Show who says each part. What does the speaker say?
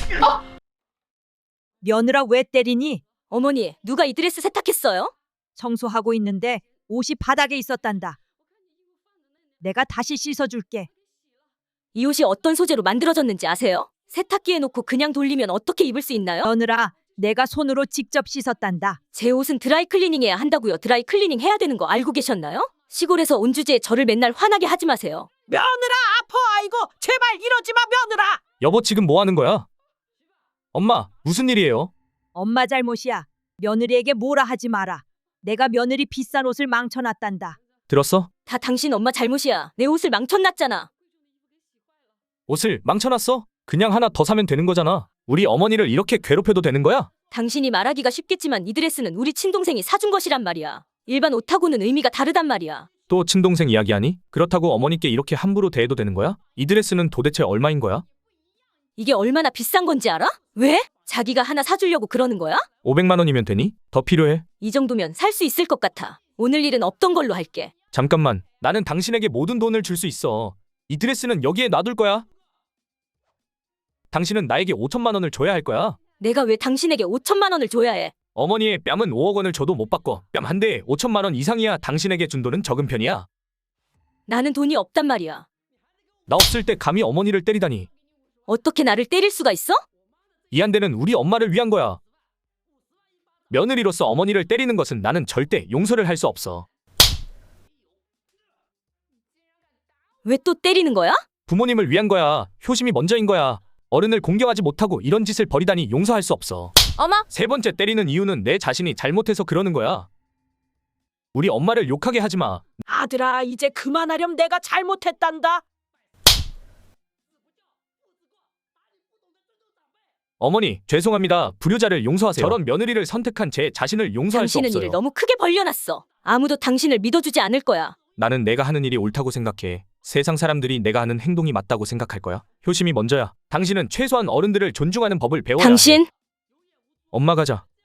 Speaker 1: 며느라 왜 때리니?
Speaker 2: 어머니, 누가 이 드레스 세탁했어요?
Speaker 1: 청소하고 있는데 옷이 바닥에 있었단다. 내가 다시 씻어줄게.
Speaker 2: 이 옷이 어떤 소재로 만들어졌는지 아세요? 세탁기에 놓고 그냥 돌리면 어떻게 입을 수 있나요?
Speaker 1: 며느라, 내가 손으로 직접 씻었단다.
Speaker 2: 제 옷은 드라이 클리닝 해야 한다고요. 드라이 클리닝 해야 되는 거 알고 계셨나요? 시골에서 온 주제에 저를 맨날 화나게 하지 마세요.
Speaker 3: 며느라 아파. 아이고 제발 이러지 마 며느라.
Speaker 4: 여보 지금 뭐 하는 거야? 엄마 무슨 일이에요?
Speaker 1: 엄마 잘못이야. 며느리에게 뭐라 하지 마라. 내가 며느리 비싼 옷을 망쳐놨단다.
Speaker 4: 들었어?
Speaker 2: 다 당신 엄마 잘못이야. 내 옷을 망쳐놨잖아.
Speaker 4: 옷을 망쳐놨어? 그냥 하나 더 사면 되는 거잖아. 우리 어머니를 이렇게 괴롭혀도 되는 거야?
Speaker 2: 당신이 말하기가 쉽겠지만 이 드레스는 우리 친동생이 사준 것이란 말이야. 일반 옷하고는 의미가 다르단 말이야.
Speaker 4: 또 친동생 이야기하니? 그렇다고 어머니께 이렇게 함부로 대해도 되는 거야? 이 드레스는 도대체 얼마인 거야?
Speaker 2: 이게 얼마나 비싼 건지 알아? 왜? 자기가 하나 사주려고 그러는 거야?
Speaker 4: 500만 원이면 되니? 더 필요해?
Speaker 2: 이 정도면 살 수 있을 것 같아. 오늘 일은 없던 걸로 할게.
Speaker 4: 잠깐만. 나는 당신에게 모든 돈을 줄 수 있어. 이 드레스는 여기에 놔둘 거야. 당신은 나에게 5천만 원을 줘야 할 거야.
Speaker 2: 내가 왜 당신에게 5천만 원을 줘야 해?
Speaker 4: 어머니의 뺨은 5억 원을 줘도 못 바꿔. 뺨 한 대에 5천만 원 이상이야. 당신에게 준 돈은 적은 편이야.
Speaker 2: 나는 돈이 없단 말이야.
Speaker 4: 나 없을 때 감히 어머니를 때리다니.
Speaker 2: 어떻게 나를 때릴 수가 있어?
Speaker 4: 이 한대는 우리 엄마를 위한 거야. 며느리로서 어머니를 때리는 것은 나는 절대 용서를 할 수 없어.
Speaker 2: 왜 또 때리는 거야?
Speaker 4: 부모님을 위한 거야. 효심이 먼저인 거야. 어른을 공경하지 못하고 이런 짓을 벌이다니 용서할 수 없어.
Speaker 2: 어머!
Speaker 4: 세 번째 때리는 이유는 내 자신이 잘못해서 그러는 거야. 우리 엄마를 욕하게 하지 마.
Speaker 3: 아들아 이제 그만하렴. 내가 잘못했단다.
Speaker 4: 어머니, 죄송합니다. 불효자를 용서하세요. 저런 며느리를 선택한 제 자신을 용서할 수
Speaker 2: 당신은
Speaker 4: 없어요.
Speaker 2: 일을 너무 크게 벌려놨어. 아무도 당신을 믿어주지 않을 거야.
Speaker 4: 나는 내가 하는 일이 옳다고 생각해. 세상 사람들이 내가 하는 행동이 맞다고 생각할 거야. 효심이 먼저야. 당신은 최소한 어른들을 존중하는 법을 배워야 해.
Speaker 2: 당신?
Speaker 4: 엄마 가자.